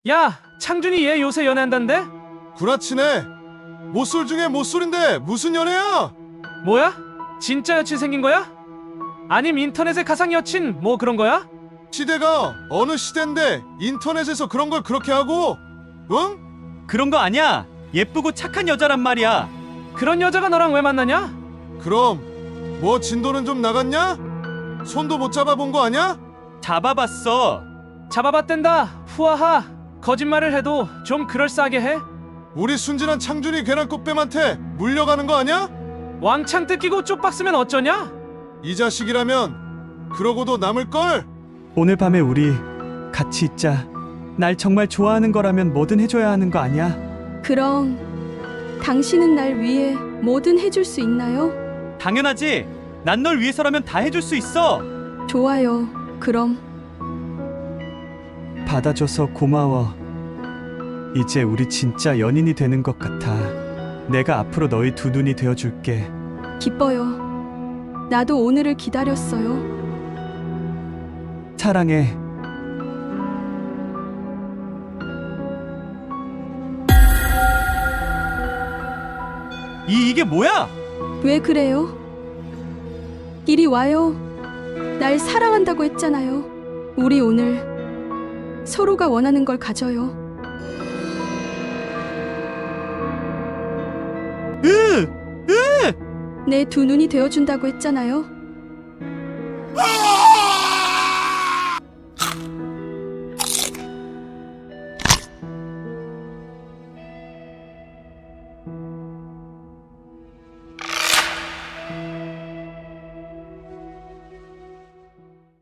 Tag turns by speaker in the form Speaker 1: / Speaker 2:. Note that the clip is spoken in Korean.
Speaker 1: 야, 창준이 얘 요새 연애한단데?
Speaker 2: 구라치네. 못쏠 중에 못쏠인데 무슨 연애야?
Speaker 1: 뭐야? 진짜 여친 생긴 거야? 아님 인터넷의 가상 여친 뭐 그런 거야?
Speaker 2: 시대가 어느 시대인데 인터넷에서 그런 걸 그렇게 하고? 응?
Speaker 3: 그런 거 아니야. 예쁘고 착한 여자란 말이야.
Speaker 1: 그런 여자가 너랑 왜 만나냐?
Speaker 2: 그럼 뭐 진도는 좀 나갔냐? 손도 못 잡아본 거 아냐?
Speaker 3: 잡아봤어.
Speaker 1: 잡아봤댄다. 후아하. 거짓말을 해도 좀 그럴싸하게 해.
Speaker 2: 우리 순진한 창준이 괜한 꽃뱀한테 물려가는 거 아냐?
Speaker 1: 왕창 뜯기고 쪽박 쓰면 어쩌냐?
Speaker 2: 이 자식이라면 그러고도 남을걸?
Speaker 3: 오늘 밤에 우리 같이 있자. 날 정말 좋아하는 거라면 뭐든 해줘야 하는 거 아니야?
Speaker 4: 그럼 당신은 날 위해 뭐든 해줄 수 있나요?
Speaker 3: 당연하지. 난 널 위해서라면 다 해줄 수 있어.
Speaker 4: 좋아요. 그럼
Speaker 3: 받아줘서 고마워. 이제 우리 진짜 연인이 되는 것 같아. 내가 앞으로 너희 두 눈이 되어줄게.
Speaker 4: 기뻐요. 나도 오늘을 기다렸어요.
Speaker 3: 사랑해. 이게 뭐야?
Speaker 4: 왜 그래요? 이리 와요. 날 사랑한다고 했잖아요. 우리 오늘 서로가 원하는 걸 가져요. 내 두 눈이 되어준다고 했잖아요.